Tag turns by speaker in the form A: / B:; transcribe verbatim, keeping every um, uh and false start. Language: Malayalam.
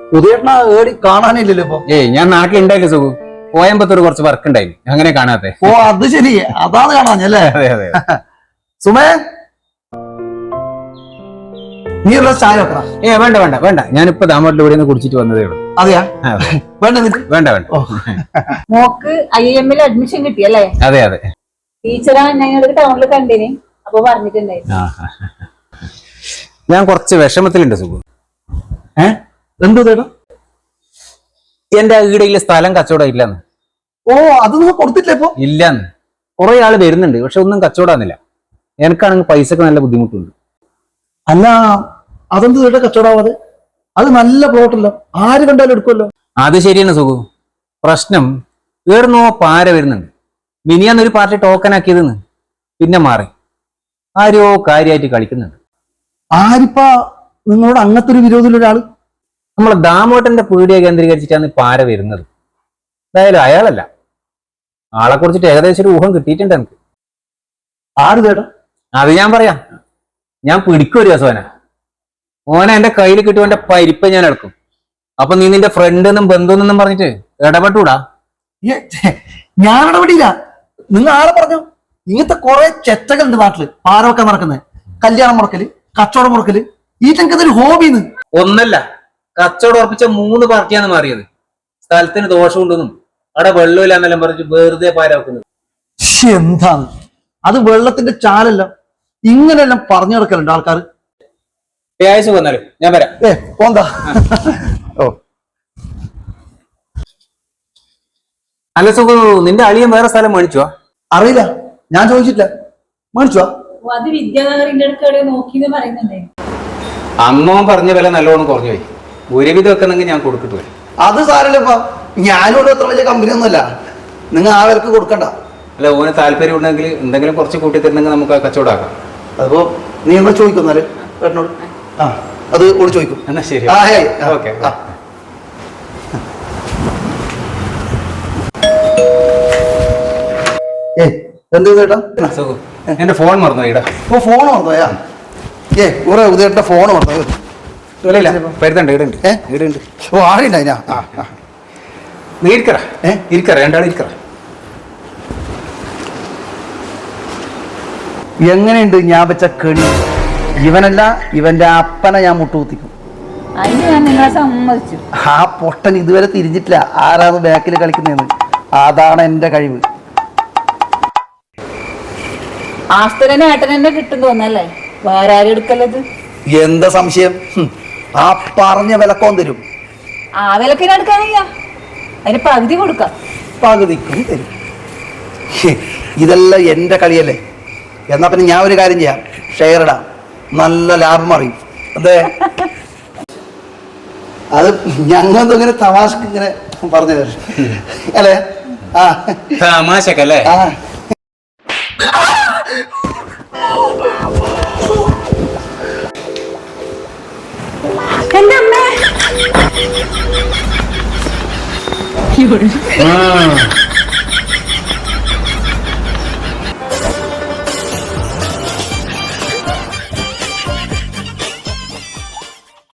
A: ഉദയേട്ടന ഏടി കാണാനില്ലല്ലോ ഇപ്പൊ.
B: ഏയ് ഞാൻ നാട്ടിലുണ്ടായില്ല സുഖു, കോയമ്പത്തൂർ കുറച്ച് വർക്ക് ഉണ്ടായില്ല, അങ്ങനെ കാണാത്തെ.
A: ഓ അത് ശരി, അതാണ് കാണാഞ്ഞല്ലേ.
B: അതെ അതെ.
A: സുമേ നീ ഉള്ള ചായ വെക്കണ?
B: ഏ വേണ്ട വേണ്ട വേണ്ട, ഞാനിപ്പോ ദാമോട്ടിൽ ഇവിടെ നിന്ന് കുടിച്ചിട്ട് വന്നതേ ഉള്ളൂ.
A: അതെയാ? വേണ്ട
B: വേണ്ട വേണ്ട.
C: Mock I M L admission കിട്ടിയല്ലേ?
B: അതെ അതെ.
C: ടീച്ചറാ ഞങ്ങൾ ടൗണിൽ കണ്ടിന്, അപ്പൊ പറഞ്ഞിട്ടുണ്ടായിരുന്നു.
B: ഞാൻ കുറച്ച് വിഷമത്തിലുണ്ട് സുഖു.
A: ഏ എന്ത് ചേട്ടാ?
B: എന്റെ ഈടയിലെ സ്ഥലം കച്ചവടം ഇല്ലെന്ന്.
A: ഓ അത് നിങ്ങൾ കൊടുത്തിട്ടില്ല ഇപ്പൊ?
B: ഇല്ലെന്ന്. കുറെ ആള് വരുന്നുണ്ട്, പക്ഷെ ഒന്നും കച്ചവടാന്നില്ല. എനിക്കാണെങ്കിൽ പൈസക്ക് നല്ല ബുദ്ധിമുട്ടുണ്ട്.
A: അല്ല അതെന്ത് ചേട്ടാ കച്ചവടാവാതെ? അത് നല്ല പ്ലോട്ടല്ലോ, ആര് കണ്ടാലും എടുക്കുമല്ലോ.
B: അത് ശരിയാണ് സുഖു. പ്രശ്നം വേർന്നോ പാര വരുന്നുണ്ട്. മിനിയാന്നൊരു പാർട്ടി ടോക്കൺ ആക്കിയതെന്ന് പിന്നെ മാറി ആരോ കാര്യമായിട്ട് കളിക്കുന്നുണ്ട്.
A: ആരിപ്പാ നിങ്ങളോട് അങ്ങനത്തെ ഒരു വിരോധമുള്ള ഒരാള്?
B: നമ്മളെ ദാമോട്ടന്റെ പീടിയെ കേന്ദ്രീകരിച്ചിട്ടാണ് പാര വരുന്നത്. എന്തായാലും അയാളല്ല, ആളെ കുറിച്ചിട്ട് ഏകദേശം ഒരു ഊഹം കിട്ടിയിട്ടുണ്ട് എനിക്ക്.
A: ആര് ചേട്ടാ?
B: അത് ഞാൻ പറയാം. ഞാൻ പിടിക്കും ഒരു ദിവസം ഓനെ. ഓനെ എന്റെ കയ്യിൽ കിട്ടും, എന്റെ പരിപ്പ് ഞാൻ എടുക്കും. അപ്പൊ നീ നിന്റെ ഫ്രണ്ട് എന്നും ബന്ധുവെന്നും പറഞ്ഞിട്ട് ഇടപെട്ടൂടാ.
A: ഞാൻ ഇടപെടില്ല. നിങ്ങൾ ആരെ പറഞ്ഞു? ഇങ്ങനത്തെ കുറെ ചെറ്റകളുണ്ട് നാട്ടില്, പാരമൊക്കെ നടക്കുന്നത്. കല്യാണം മുടക്കല്, കച്ചവടം മുടക്കല്, ഈ ചെങ്കതൊരു ഹോബിന്ന്.
B: ഒന്നല്ല, കച്ചവടം ഉറപ്പിച്ച മൂന്ന് പാർട്ടിയാണ് മാറിയത്. സ്ഥലത്തിന് ദോഷമുണ്ടെന്നും അവിടെ വെള്ളമില്ലാന്നെല്ലാം പറഞ്ഞിട്ട് വെറുതെ പാര വെക്കുന്നത്.
A: എന്താണ് അത്? വെള്ളത്തിന്റെ ചാലല്ല, ഇങ്ങനെയെല്ലാം പറഞ്ഞു നടക്കലുണ്ട് ആൾക്കാർ.
B: വന്നാലും ഞാൻ വരാം.
A: ഏ പോന്താ. ഓ
B: അല്ല സുഖു, നിന്റെ അളിയൻ വേറെ സ്ഥലം മേടിച്ചുവാ?
A: അറിയില്ല, ഞാൻ ചോദിച്ചിട്ടില്ല. മേടിച്ചുവാ?
C: അത് വിദ്യാനഗറിന്റെ അടുക്കള നോക്കിന്ന് പറയുന്നുണ്ടേ.
B: അമ്മ പറഞ്ഞ വില നല്ലോണം കുറഞ്ഞു പോയി. ഒരുവിധം വെക്കണമെങ്കിൽ ഞാൻ കൊടുത്തിട്ട് പോയി.
A: അത് സാരല്ലപ്പാ, ഞാനോട് അത്ര വലിയ കമ്പനി ഒന്നുമല്ല, നിങ്ങൾ ആ വിലക്ക് കൊടുക്കണ്ട.
B: അല്ല, ഓന് താല്പര്യം ഉണ്ടെങ്കിൽ എന്തെങ്കിലും കുറച്ച് കൂട്ടി തരണമെങ്കിൽ നമുക്ക് കച്ചവടമാക്കാം.
A: അതിപ്പോ നീ എന്നാ ചോദിക്കുന്നാല് ചേട്ടനോട്? ആ അത് ഓട് ചോദിക്കും.
B: എന്നാ ശരി. ഓക്കെ.
A: ഏ എന്ത് ചേട്ടാ?
B: എന്റെ ഫോൺ മറന്നു ഇടാ.
A: ഓ ഫോൺ മറന്നോയാ? ഏ കുറെ ഉദയേട്ടന്റെ ഫോൺ മറന്നു.
B: പരുത്തണ്ട് ഇടുണ്ട്. ഏ ഇടുണ്ട്.
A: ഓ ആടിണ്ടായിനാ?
B: നീ ഇരിക്കറ. ഏ ഇരിക്കറ, രണ്ടാളും ഇരിക്കറ.
A: എങ്ങനെയുണ്ട് ഞാൻ വെച്ച കെണി? ഇവനല്ല, ഇവന്റെ അപ്പനെ ഞാൻ മുട്ടുകുത്തിക്കും. ആ പൊട്ടൻ ഇതുവരെ തിരിഞ്ഞിട്ടില്ല ആരാണ് ബാക്കിൽ കളിക്കുന്നതെന്ന്. അതാണ് എന്റെ കഴിവ്.
C: ആസ്തരനെ ഏട്ടനെ കിട്ടും തോന്നല്ലേ, വേറെ ആരും എടുക്കല്ലത്.
A: എന്താ സംശയം? ആ പറഞ്ഞ വിലക്കോൻ തരും.
C: ആ വിലക്കിന് എടുക്കാനില്ല, അതിന് പകുതി കൊടുക്കാം.
A: പകുതിക്കും തരും. ഇതെല്ലാം എന്റെ കളിയല്ലേ? എന്നാ പിന്നെ ഞാൻ ഒരു കാര്യം ചെയ്യാം, ഷെയർ ഇടാം, നല്ല ലാഭം അറിയും. അതെ, അത് ഞങ്ങളൊന്നും ഇങ്ങനെ തമാശക്ക് ഇങ്ങനെ പറഞ്ഞു അല്ലേ? ആ
B: തമാശക്കല്ലേ?
A: ആ
C: എന്റെ അമ്മ